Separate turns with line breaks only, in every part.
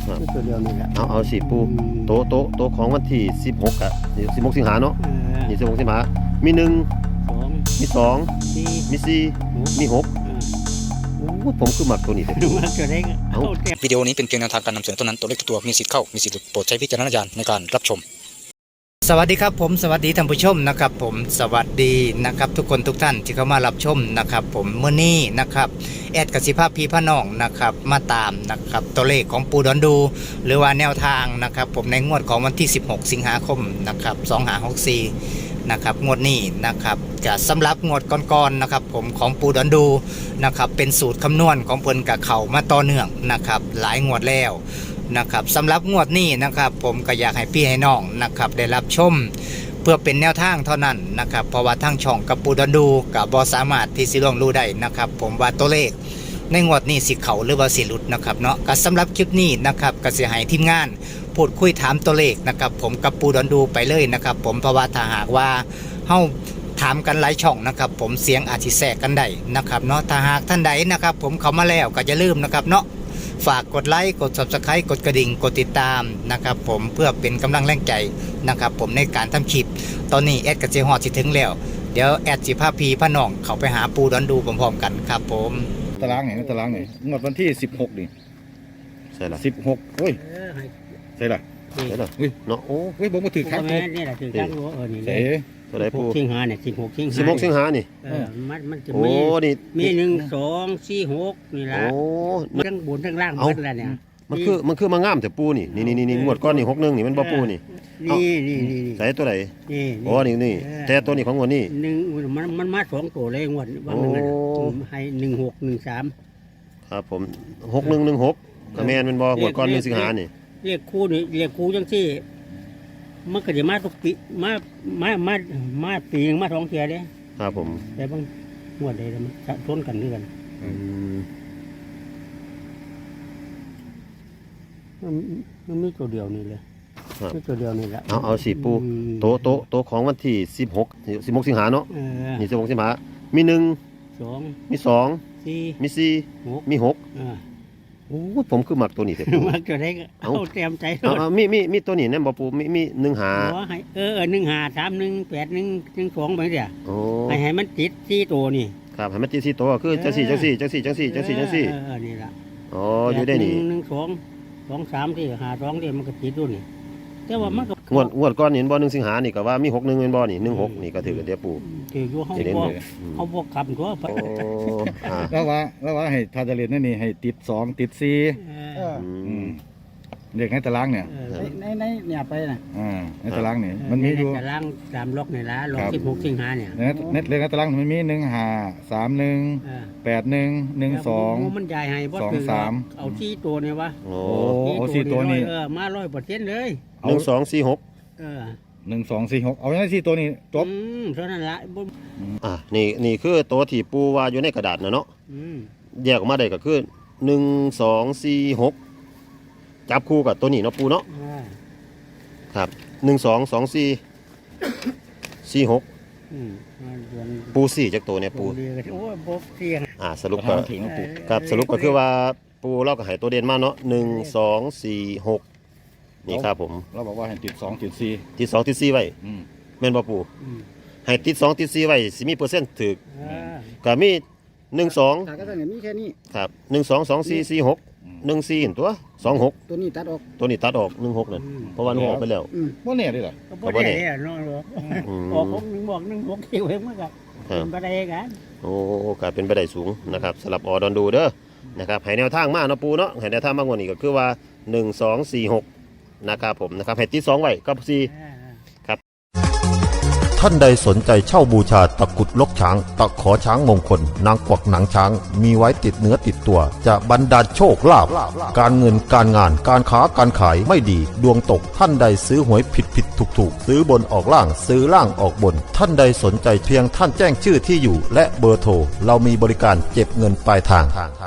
ตัวเดียวนี่แหละ
เอาสิปูโตของวันที่16อ่ะ16 สิงหาเนาะนี่16 สิงหามี1มี2มี4มี6ผมคือมักตัวนี้
วิดีโอนี้เป็นเพียงแนวทางการนำเสนอเท่านั้นตัวเลขทุกตัวมีสิทธิ์เข้ามีสิทธิ์หลุดโปรดใช้วิจารณญาณในการรับชมสวัสดีครับผมสวัสดีท่านผู้ชมนะครับผมสวัสดีนะครับทุกคนทุกท่านที่เข้ามารับชมนะครับผมเมื่อนี้นะครับแอดกสิภาพพีพน้องนะครับมาตามนะครับตัวเลขของปูดอนดูหรือว่าแนวทางนะครับผมในงวดของวันที่16 สิงหาคมนะครับ2564นะครับงวดนี้นะครับจะสำหรับงวดก่อนๆนะครับผมของปูดอนดูนะครับเป็นสูตรคำนวณของเพิ่นกับเข่ามาต่อเนื่องนะครับหลายงวดแล้วนะครับสำหรับงวดนี้นะครับผมก็อยากให้พี่ให้น้องนะครับได้รับชมเพื่อเป็นแนวทางเท่านั้นนะครับเพราะว่าทางช่องกับปูดอนดูกับบอสามารถที่สิล่วงรู้ได้นะครับผมว่าตัวเลขในงวดนี้สิเข่าหรือว่าสิหลุดนะครับเนาะก็สำหรับคลิปนี้นะครับก็สิให้ทีมงานพูดคุยถามตัวเลขนะครับผมกับปูดอนดูไปเลยนะครับผมเพราะว่าถ้าหากว่าเฮาถามกันหลายช่องนะครับผมเสียงอาจจะแทรกกันได้นะครับเนาะถ้าหากท่านใดนะครับผมเข้ามาแล้วก็อย่าลืมนะครับเนาะฝากกดไลค์กด Subscribe กดกระดิ่งกดติดตามนะครับผมเพื่อเป็นกำลังแรงใจนะครับผมในการทำคลิปตอนนี้แอดกับเจฮอดสิถึงแล้วเดี๋ยวแอดสิพาพีพน้องเขาไปหาปูดอนดูพร้อมๆกันครับผม
ตารางไหนตารางไหนงวดวันที่16นี่
ใช่ล่ะ
16โอ้ยใช่ล่ะ
เนาะโอ้
ผมมาถือครั้ง
นี่แหละถือครั้งนี่
เส
ตัวไหนปู
สิงหาเนี่ย
16 สิงหานี่
มันจะมี1 2 4 6นี่ละทั้งบนทั้งล่างหมดแล้วเนี่ย
มันคือมางามแต่ปูนี่งวดก้อนนี่61นี่มันบ่ปูนี่
นี่
ใส่ตัวไหนโอ้นี่แต่ตัวนี้ของงวดนี้
1มันมา2ตัวเลยงวดบางนึงให้1613
ครับผม6116ก็แม่นมันบ่งวดก้อน1 สิงหานี่
เรียกคู่จังซี่มันก็จะมาทุกปีมาปีนึงมา2 เทื่อเด้
ครับผม
แต่บางงวดใดมันชนกันด้วยกันมันมีตัวเดียวนี่เลยมีตัวเดียวนี่แหละ
เอาสิปูโตของวันที่16 สิงหาเนาะนี่16 สิงหามี1มี2มี4มี6โอ้ผมคือมักตัวนี้แต่ปู
มักตัวได้เอาเตรียมใจ
มีตัวนี้แน่บ่ปูมี1 หา
1 หา3 1 8 1 1 2ไปเด้อให้มันติด4ตัวนี่
ครับให้มันติด4ตัวคือจังซี่
นี่ล่ะ
อ๋ออยู่ได้นี่
1 2 3ที่หา2ที่มันก็ติดด้วยนี่แต่ว่ามันก็
งวดก่อนเห็นบ่1 สิงหานี่ก็ว่ามี61แม่นบ่นี่16นี่ก็ถือเดี๋ยวปู
ถืออยู่เฮาบ่ขับตัว
โอ้แล้วว่าให้ถ้าจะเรียนนั่นนี่ให้ติด2ติด4เด็กในตารางเนี่ย
ในเนี่ยไปน่ะ
ในตารางนี่มันมีอยู่
ตาราง3ล็อกนี่ล่ะล็อก16 สิงหาเนี่ย
เรื่องในตารางมันมี1 5 3 1 8 1 1 2
มันใหญ่ให้บ่ถึงเอา4ตัวนี่วะ
โอ้4ตัวนี่
มา 100% เลย
1 2 4 6
1 2 4 6เอาอย่างนั้น4ตัวนี้จบ
เท่านั้นละ
นี่คือตัวที่ปูว่าอยู่ในกระดาษนะเนาะแยกออกมาได้ก็คือ1 2 4 6จับคู่กับตัวนี้เนาะปูเนาะครับ1 2 2 4 4 6ปู4จากตัวเนี่ยปูสรุปก็ครับสรุปก็คือว่าปูเราก็ให้ตัวเด่นมาเนาะ1 2 4 6นี่ครับผม
เราบอกว่าให้ติด2ติด4
ติด2ติด4ไว้แม่นบ่ปูให้ติด2ติด4ไว้สิมีเปอร์เซ็นต์ถูกก็มี1 2
ก็ต้องมีแค่นี้
ครับ1 2 2 4 4 6 1 4เห็นตัว26
ตัวนี้ตัดออก
16นั่นเพราะว่า1 6ไปแล้ว
บ่แน่ดิล่ะ
บ่แน่เนาะออก6 บอก1 6ที่ไว้มันก็เป็นไปได้กัน
โอ้ก็เป็นไปได้สูงนะครับสำหรับอดอนดูเด้อนะครับให้แนวทางมาเนาะปูเนาะให้แนวทางมากกว่านี้ก็คือว่า1 2 4 6นะครับผมนะครับให้ติด2ไว้กับ4ครับ
ท่านใดสนใจเช่าบูชาตะกุดลกช้างตะขอช้างมงคลนางกวักหนังช้างมีไว้ติดเนื้อติดตัวจะบรรดาลโชคลาภการเงินการงานการค้าการขายไม่ดีดวงตกท่านใดซื้อหวยผิดถูกซื้อบนออกล่างซื้อล่างออกบนท่านใดสนใจเพียงท่านแจ้งชื่อที่อยู่และเบอร์โทรเรามีบริการเก็บเงินปลายทาง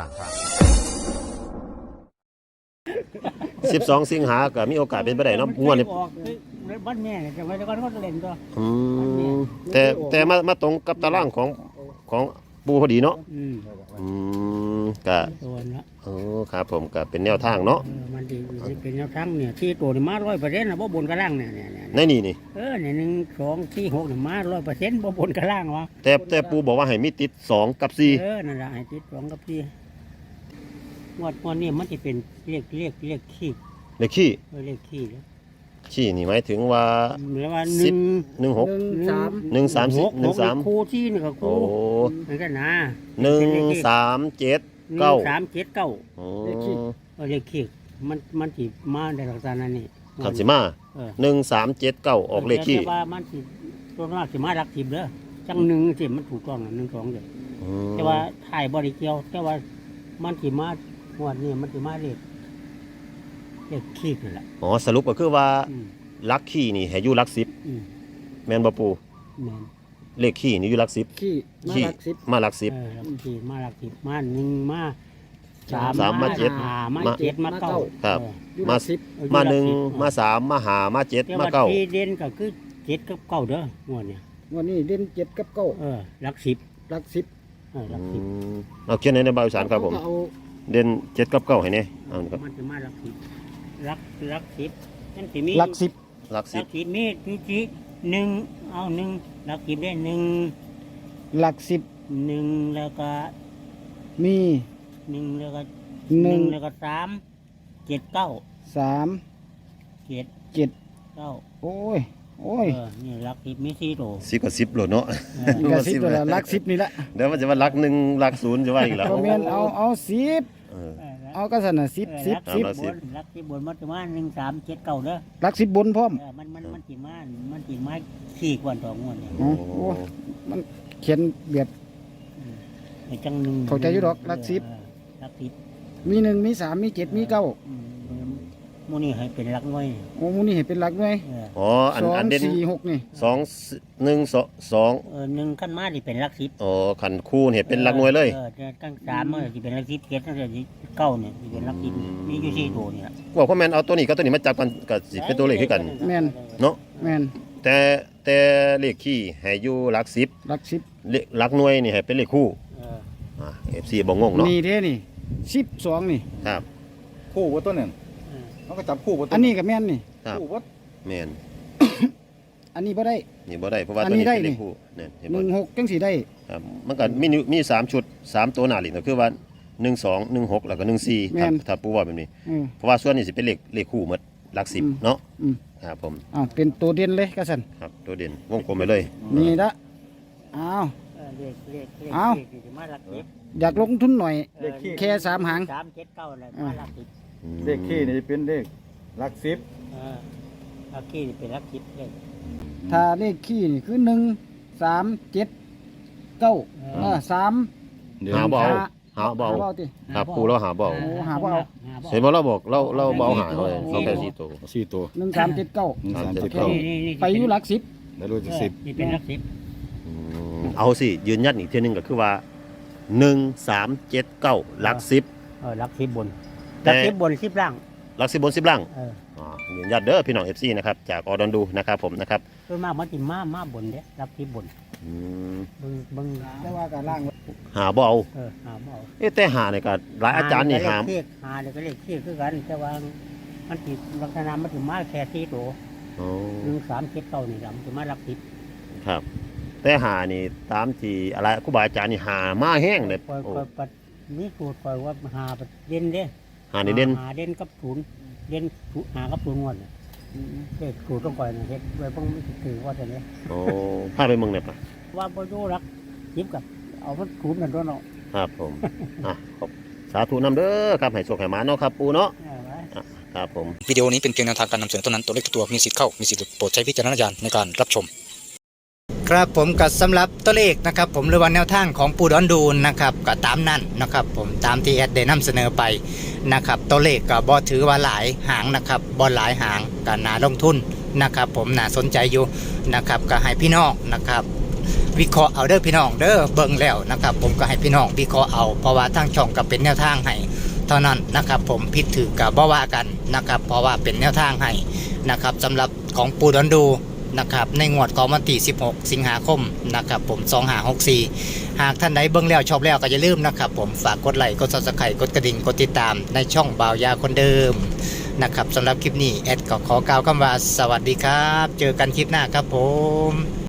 12 สิงหาก็มีโอกาสเป็นไปได้เนาะงวดนี้
บ้านแม่เนี่ยจะไว้ก่อนก็เล่นตัว
แต่มาตรงกับตารางของปูพอดีเนาะ
อืม
อืมก็
ตัวละ
โอ้ครับผมก็เป็นแนวทางเนาะ
มันดีเป็นแนวทางเนี่ยที่ตัวนี่มา100%นะบ่บนกระล่างเนี่ย
ในนี่นี่
เนี่ย1 2 4 6เนี่ยมา100%บ่บนกระล่างวะ
แต่ปูบอกว่าให้มีติด2กับ4
นั่นแหละให้ติด2กับ4งวดนี้มันจะเป็นเลขขี้
เลขขี้
เลขขี้แล้ว
ขี้นี่หมายถึงว่า
หรือว่า
10 16
1
1 3
6
13
คู่ที่นี่ก็
โอ้
คู่เหมือนกันนะ
1 3 7 9
3 7 9
โอ้
เลขขี้มันสิมาในลักษณะนี้
ขันสิมา 1 3 7 9ออกเลขขี้
แต่ว่ามันสิตัวมากสิมาหลัก10เด้อจังหนึ่งสิมันถูกต้องนะ1 2เด้อ
อืม
แต่ว่าถ่ายบ่ได้เกี่ยวแต่ว่ามันสิมางวดนี้มันสิมาเลขขี้นั่นแหละ
อ๋อสรุปก็คือว่า
อืม
ลักขี้นี่ให้อยู่ลัก10
อืม
แม่นบ่ปู
แม่น
เลขขี้นี่อยู่ลัก10
ขี้มา
ขี้
หลักสิบ
มาลัก
หลักสี่มาหลัก10มา1มา3
สามมาเจ็ด
ห้ามา
มา
7มา9
ครับ
อยู่
มา
หลักสิบ
10มา1มา3มา5มา7มา
แต่ว่าที่
9
เด่นก็คือ7กับ9เด้องวดเนี่ย
วันนี้เด่น7กับ9
หลัก10
หลักสิบ
หลัก
อืมเอาเขียนในบาวอีสานครับผม
เอา
เด่น7กับ9ให้แน่เอานี่ครับ
มันจะมาหลัก10หลัก10นั่นสิมี
หลักสิบ
ลัก
หลัก10มีที่1เอา1หลัก10ได้1
หลักสิบ
แล้วก็
มี
1แล้วก็
หนึ่ง
1แล้วก็3 7 9
3
7
7
9
โอ้ย
นี่หลัก10มี4ตัว
10กับ10โหลดเนาะ
นี่ก็สิบตัวละหลักสิบนี่ละ
เดี๋ยวมันจะว่าลัก1ลัก0จะว่าอีกแล้ว
ก็แม่นเอาสิบ
เออ
เอาก็สั่นน่ะสิบ
ครับ
บนหลัก10บนมันจะมา1 3 7 9เด้อ
หลักสิบบนพร้อม
มันสิมาขี้กว่าต่องวดเนี่ย
อ๋อโอ้มันเขียนแบบ
ไอ้จังหนึ่ง
เข้าใจอยู่ดอกหลัก10
หลัก10
มี1มี3มี7มี9
หมูนี่ให้เป็นหลักหน่วย
โอ้หมูนี่เห็นเป็นหลักหน่วย
อ๋ออันเด่น
2 4 6นี่
2 1 2
หนึ่งขั้นมาที่เป็นหลัก10
อ๋อขันคู่เห็นเป็นหลักหน่วยเลย
แต่ขั้น3มันสิเป็นหลัก10 7นั่นจะเก้าเนี่ยสิเป็นหลัก10มีอยู่4ตัวนี่ล่ะ
ว่าพ่อแม่นเอาตัวนี้กับตัวนี้มาจับกันก็สิเป็นตัวเลขคือกัน
แม่น
เนาะ
แม่น
แต่เลขขี้ให้อยู่หลัก10
หลักสิบ
เลขหลักหน่วยนี่ให้เป็นเลขคู่ FC บ่งงเนาะ
นี่เด้นี่12นี่
ครับ
คู่บ่ตัวนึง
เออ
เขาก็จับคู่บ่อันนี้ก็แม่นนี่
ครับ
คู่บ่
แม่น
อันนี้บ่ได้
นี่บ่ได้เพราะว่า
อัน
ตัว
นี้
นี้
ได้
เป็นเล
นี่
ขคู่เนี่ยเห็นบ่
16จังสิได้
ครับมันก็มี3ชุด3ตัวหน้าลิ้นก็คือว่า1 2 1 6แล้วก็1 4ครับถ้าปูว่าแบบนี้ เพราะว่าส่วนนี้สิเป็นเลขคู่หมดหลัก10เนาะ
อืม
ครับผม
อ้าวเป็นตัวเด่นเลยก็สั่น
ครับตัวเด่นวงกลมไปเลย
นี่ละอ้าว
เลข
เอ้า
สิมาหลัก10
อยากลงทุนหน่อย
เลขขี้
แค่3หาง
3 7 9อะไรมาหลัก10
อืม
เลขขี้นี่เป็นเลขหลักสิบ
หลักขี้นี่เป็นหลัก10เลย
ถ้าเลขขี้นี่คือ1 3 7 9 3
เดี๋ยว
หาบ่เอาหาบ่
หา
เอา
บ่เอาติ
ครับปูแล้วหาบ่เอา
โอ้หาบ่เอา
เห็นบ่เราบอกเราบ่เอาหาเลยเราแค่4ตัว
สี่ตัว
1 3 7 9
1 3 7 9
ไปอยู่หลักสิบ
แล้วรู้จะสิบ
นี่เป็นหลัก10
เอาสิยืนยันอีกเทีนึงก็คือว่า1 3 7 9หลัก10
หลัก10บน
แต่
หลัก10บน10ล่าง
หลัก10บน10ล่าง
เออ
ยืนยันเด้อพี่น้อง FC นะครับจากออดอนดูนะครับผมนะครับ
ส่วนมากมันสิมาบนเด้หลัก10บน
อืม
เบิ่ง
แต่ว่าการล่าง
หาบ่เอา
หาบ่เอา
แต่หาเนี่ยก็หลายอาจารย์นี่หา
หาเนี่ยก็เลขขี้คือกันแต่ว่ามันสิลักษณะมันสิมาแค่4ตัว
อ๋อ
1 3 7 9นี่ล่ะมันสิมาหลัก10
ครับ แต่หานี่ตามที่อะไรครูบาอาจารย์นี่หามาแห้งเลย
ปล่อย
โอ้
ปัดมีสูตรปล่อยว่าหาปัดเด่นเด้
หานี่เด่น
หาเด่นกับศูนย์เด่นหากับศูนย์งวดน่ะเลขสูตรต้องปล่อยน่ะเฮ็ดไว้เพิ่งมันสิถือว่าแต่นี้
โอ้พาไปเมืองเนี่ยปะ
ว่าบ่อยู่หลัก10กับเอามันศูนย์นั่นตัวเนาะ
ครับผม ขอบสาธุนำเด้อครับให้โชคให้หมาเนาะครับปูเนาะ
ไว้
ครับผม
วิดีโอนี้เป็นเพียงแนวทางการนำเสนอเท่านั้นตัวเลขทุกตัวมีสิทธิ์เข้ามีสิทธิ์หลุดโปรดใช้วิจารณญาณในการรับชม ครับผมกับสำหรับตัวเลขนะครับผมหรือว่าแนวทางของปูดอนดูนนะครับก็ตามนั้นนะครับผมตามที่แอดได้นำเสนอไปนะครับตัวเลขก็บ่ถือว่าหลายหางนะครับบ่หลายหางก็น่าลงทุนนะครับผมน่าสนใจอยู่นะครับก็ให้พี่น้องนะครับวิเคราะห์เอาเด้อพี่น้องเด้อเบิ่งแล้วนะครับผมก็ให้พี่น้องวิเคราะห์เอาเพราะว่าทางช่องก็เป็นแนวทางให้เท่านั้นนะครับผมผิดถือกับบ่ว่ากันนะครับเพราะว่าเป็นแนวทางให้นะครับสำหรับของปูดอนดูนะครับในงวดของวันที่16 สิงหาคมนะครับผม2564หากท่านใดเบิ่งแล้วชอบแล้วก็อย่าลืมนะครับผมฝากกดไลค์กด Subscribe กดกระดิ่งกดติดตามในช่องบ่าวยาคนเดิมนะครับสำหรับคลิปนี้แอดก็ขอกล่าวคำว่าสวัสดีครับเจอกันคลิปหน้าครับผม